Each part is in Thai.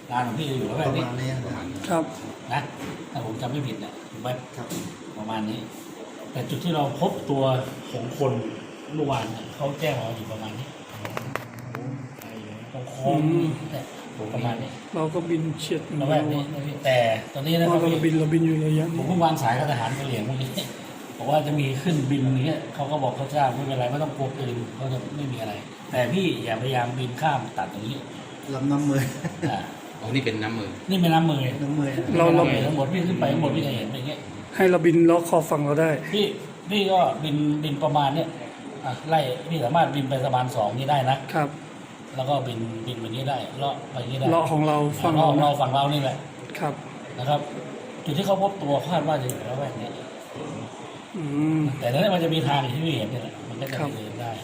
ร้านของพี่อยู่แล้วแบบนี้ครับนะถ้าผมจำไม่ผิดนะถูกไหมครับประมาณนี้ แต่จุดที่เราพบตัวของคนเมื่อวานเนี่ยเขาแจ้งเราอยู่ประมาณนี้ตรงโค้งเนี่ยประมาณนี้เราก็บินเฉียดระแวกนี้แต่ตอนนี้นะคเรารับบินอยู่ระยะผมนี้เพิ่งวางสายกับทหารกะเหรี่ยงเมื่อกี้บอกว่าจะมีขึ้นบินอย่างเงี้ยเขาก็บอกเขาทราบไม่เป็นไรไม่ต้องกลัวปืนเขาจะไม่มีอะไร แต่พี่อย่าพยายามบินข้ามตัดตรงนี้ลำน้ำมืออ่าอ๋อนี่เป็นน้ำมือนี่เป็นน้ำมือน้ำมือเราทั้งหมดพี่ขึ้นไปทั้งหมดพี่จะเห็นอย่างเงี้ยให้เราบินล้อขอบฝั่งเราได้พี่ก็บินประมาณเนี้ยไล่พี่สามารถบินไปสะพาน2นี่ได้นะครับ แล้วก็บินแบบนี้ได้เลาะไปอย่างนี้ได้เลาะของเราฝั่งเลาะเราของเราฝั่งเรานี่แหละครับนะครับ จุดที่เขาพบตัวคาดว่าจะอยู่ระแวกนี้อืมแต่นั้นมันจะมีทางที่พี่เห็นเนี่ยแหละมันก็จะครับเดินได้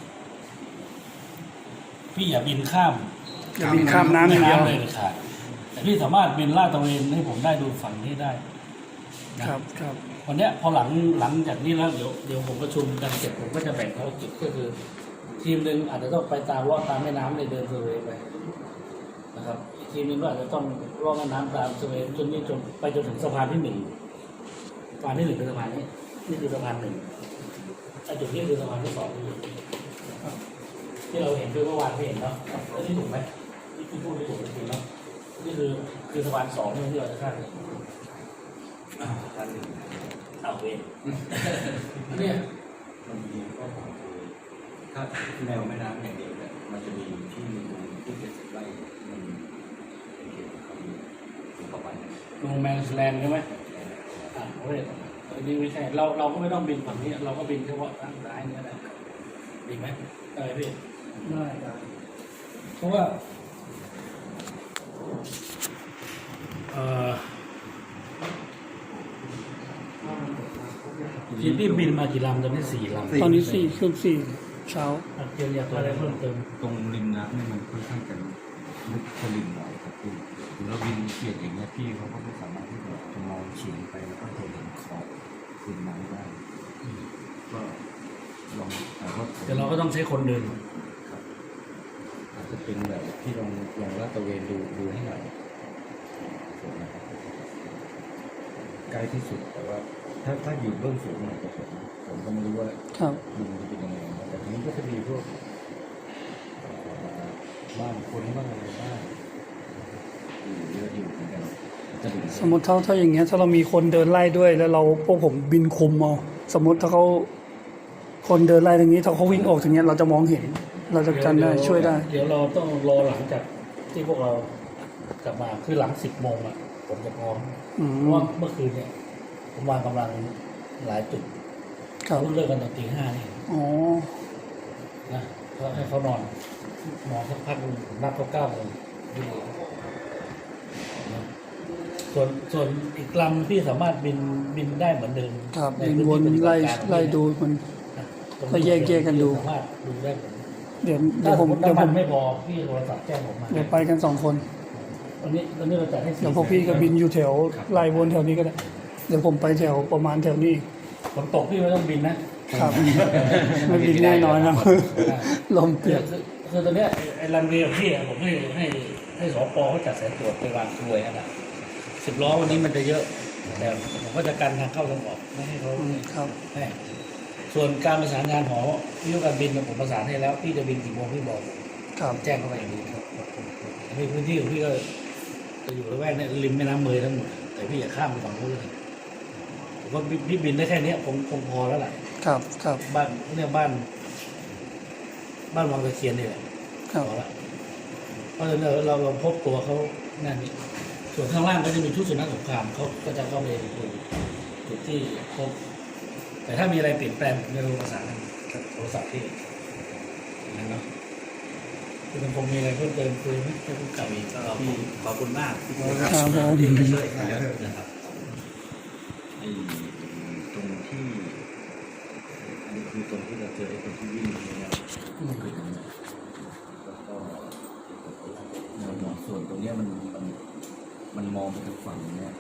พี่อย่าบินข้ามอย่าบินข้ามน้ำอย่างเดียวเลยเลยค่ะแต่พี่สามารถบินลาดตระเวนให้ผมได้ดูฝั่งนี้ได้นะครับครับวันเนี้ยพอหลังจากนี้แล้วเดี๋ยวผมประชุมกันเสร็จผมก็จะแบ่งภารกิจก็คือ ทีมหนึ่งอาจจะต้องไปตามลอดตามแม่น้ำในเดินเซอร์เวย์ไปนะครับอีกทีมหนึงก็อาจจะต้องลอดแม่น้ำตามเซอร์เวย์จนไปจนถึงสะพานที่1สะพานที่1เป็นสะพานนี้นี่คือสะพาน1ไอ้จุดนี้คือสะพานที่2ที่เราเห็นคือเมื่อวานที่เห็นเนาะแล้วนี่ถูกไหมนี่คือพูดไม่ถูกจริงๆเนาะนี่คือสะพาน2ที่เราจะข้ามสะพาน1เอาเองเนี่ยมันมีข้อความคือถ้าแนวแม่น้ำอย่างเดียวเนี่ยมันจะมีที่ที่70 ไร่มันเป็นเขตของเขาอยู่เข้าไปโนแมนสแลนด์ใช่ไหมโอ้ยอันนี้ไม่ใช่เราก็ไม่ต้องบินฝั่งนี้เราก็บินเฉพาะทางซ้ายนี่ก็ได้ดีไหมได้พี่ได้ได้เพราะว่าที่พี่บินมากี่ลำตอนนี้4 ลำตอนนี้เครื่อง4เช้าเตรียมอยากอะไรเพิ่มเติมตรงริมน้ำเนี่ยมันค่อนข้างจะลึกสลิมหน่อยครับพี่แล้วบินเฉียดอย่างเงี้ยพี่เขาก็ไม่สามารถที่จะมองเฉียงไปแล้วก็เห็นขอบริมน้ำได้ก็ลองแต่ว่าแต่เราก็ต้องใช้คนเดินอาจจะเป็นแบบที่ลองลาดตระเวนดูให้หน่อยนะครับใกล้ที่สุดแต่ว่าถ้าอยู่เบื้องสูงหน่อยก็ผมก็ไม่รู้ว่าครับดินจะเป็นยังไงนะแต่ทีนี้ก็จะมีพวกบ้านคนบ้างอะไรบ้างอยู่เยอะอยู่เหมือนกันจะดูสมมติถ้าอย่างเงี้ยถ้าเรามีคนเดินไล่ด้วยแล้วเราพวกผมบินคุมเอาสมมติถ้าเขาคนเดินไล่ตรงนี้ถ้าเขาวิ่งออกอย่างเงี้ยเราจะมองเห็น เราจะกันได้ช่วยได้เดี๋ยวเราต้องรอหลังจากที่พวกเรากลับมาคือหลัง10 โมงอ่ะผมจะพร้อมอืเพมราะว่าเมื่อคืนเนี่ยผมวางกำลังหลายจุดครับเพิ่งเลิกกันตอนตี 5นี่อ๋อนะก็ให้เขานอนสักพักหนึ่งนับเขา9 โมงนะส่วนอีกลำที่สามารถบินได้เหมือนเดิมครับในบินพื้วนที่ปฏิบัไล่ติการไล่ดูมันนะตรงก็แยกกันดูสามารถดูได้เหมือนเดี๋ยวถ้าสผม มมติเดี๋ยวน้ำผมันมไม่พอพี่โทรศัพท์แจ้งผมมาเดี๋ยวไปกัน2 คนตอนนี้เราจัดให้4 เดี๋ยวพวกพี่ก็บินอยู่แถวไล่วนแถวนี้ก็ได้เดี๋ยวผมไปแถวประมาณแถวนี้ฝนตกพี่ไม่ต้องบินนะครับไม่บินแน่นอนนะลมเปียกคือตอนเนี้ยไอ้รันเวย์ของพี่อะผมให้สปเขาจัดสายตรวจไปวางกลวยนะ10 ล้อวันนี้มันจะเยอะแต่ผมก็จะกันทางเข้าทางออกไม่ให้เขาครับให้ส่วนการประสานงานหอวิทยุการบินผมประสานให้แล้วพี่จะบินกี่โมงพี่บอกครับแจ้งเข้าไปอย่างนี้ครับในพื้นที่ของพี่ก็จะอยู่ระแวกเนี่ยริมแม่น้ำเมยทั้งหมดแต่พี่อย่าข้ามไปฝั่งนู้นเลยผมว่าพี่บินได้แค่เนี้ยคงพอแล้วแหละครับครับบ้านเนี่ยบ้านวังตะเคียนนี่แหละครับพอละเพราะฉะนั้นเราพบตัวเขาแน่นี่ส่วนข้างล่างก็จะมีชุดสุนัขสงครามเขาก็จะเข้าไปดูจุดที่พบแต่ถ้ามีอะไรเปลี่ยนแปลงผมจะประสานกับโทรศัพท์ที่นั่นเนาะคือมันคงมีอะไรเพิ่มเติมคุยไหมถ้าคุณกลับอีกก็ขอบคุณมากที่ครับผมที่มาช่วยนะครับไอ้ตรงที่อันนี้คือตรงที่เราเจอไอ้คนที่วิ่งเนี่ยคือตรงนี้แล้วก็แนวหนอนส่วนตรงเนี้ยมันมองไปทางฝั่งเนี่ย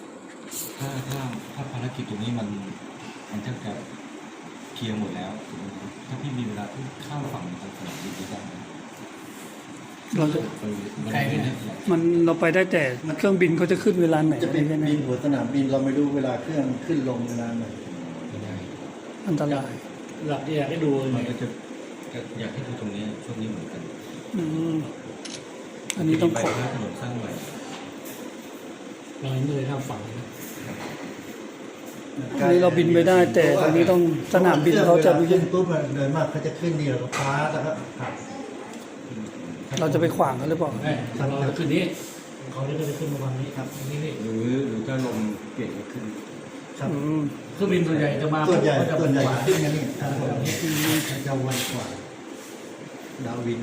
ถ้าภารกิจตรงนี้มันแทบจะเคลียร์หมดแล้วถูกไหมครับถ้าพี่มีเวลาที่ข้ามฝั่งทางสนามบินได้ไหมเราจะใครเนี่ยมันเราไปได้แต่เครื่องบินเขาจะขึ้นเวลาไหนจะเป็นใช่ไหมบินหัวสนามบินเราไม่รู้เวลาเครื่องขึ้นลงเวลาไหนอันตรายหลักที่อยากให้ดูมันเนี่ยก็จะอยากให้ดูตรงนี้ช่วงนี้เหมือนกันอืมอันนี้ต้องขอไปถนนสร้างใหม่เราไม่เคยข้ามฝั่งนะอันนี้เราบินไปได้ แต่อันนี้ต้องสนามบินเขาจะวลขึ้นปุ๊บมันโดยมากเขาจะขึ้นนี่แล้วก็ฟ้าแล้วก็ขับเราจะไปขวางเขาหรือเปล่าไม่เราคืนนี้เขาจะไปขึ้นวันนี้ครับนี่นี่หรือถ้าลมเปลี่ยนก็ขึ้นครับอืมเครื่องบินส่วนใหญ่จะมาส่วนใหญ่ก็จะส่วนใหญ่ขวาขึ้นกันนี่ครับผมจะวันกว่าดาววิน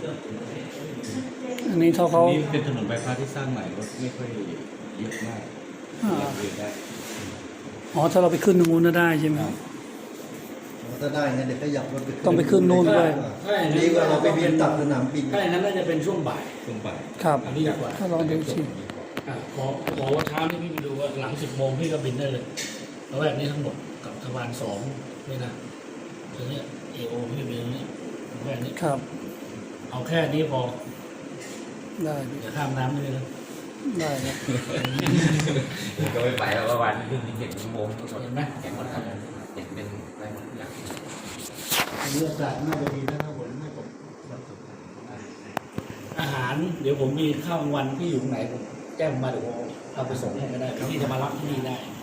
อันนี้เขานี่เป็นถนนบายพาสที่สร้างใหม่รถไม่ค่อยเยอะมากเดินได้อ๋อถ้าเราไปขึ้นตรงนู้นน่ะได้ใช่ไหมถ้าได้งั้นเดี๋ยวขยับรถไปต้องไปขึ้นนู่นด้วยถ้าอย่างดีกว่าเราไปบินตัดสนามบินถ้าอย่างนั้นน่าจะเป็นช่วงบ่ายช่วงบ่ายครับอันนี้ดีกว่าถ้าลองดูสิขอว่าเช้านี่พี่ไปดูว่าหลัง10 โมงพี่ก็บินได้เลยแล้วแบบนี้ทั้งหมดกับทวาร2นี่นะทีนี้เอโอพี่บินนี้แค่นี้ครับเอาแค่นี้พอได้อย่าข้ามน้ำเลยนะได้ครับก็ไม่ไปแล้ววันขึ้นที่7 ชั่วโมงทั้งหมดเห็นไหมแข่งหมดครับเห็นเป็นอะไรหมดทุกอย่างอันนี้อากาศน่าจะดีนะถ้าฝนไม่ตกอาหารเดี๋ยวผมมีข้าวกลางวันพี่อยู่ตรงไหนผมแจ้งผมมาเดี๋ยวผมเอาไปส่งให้ก็ได้พี่จะมารับที่นี่ได้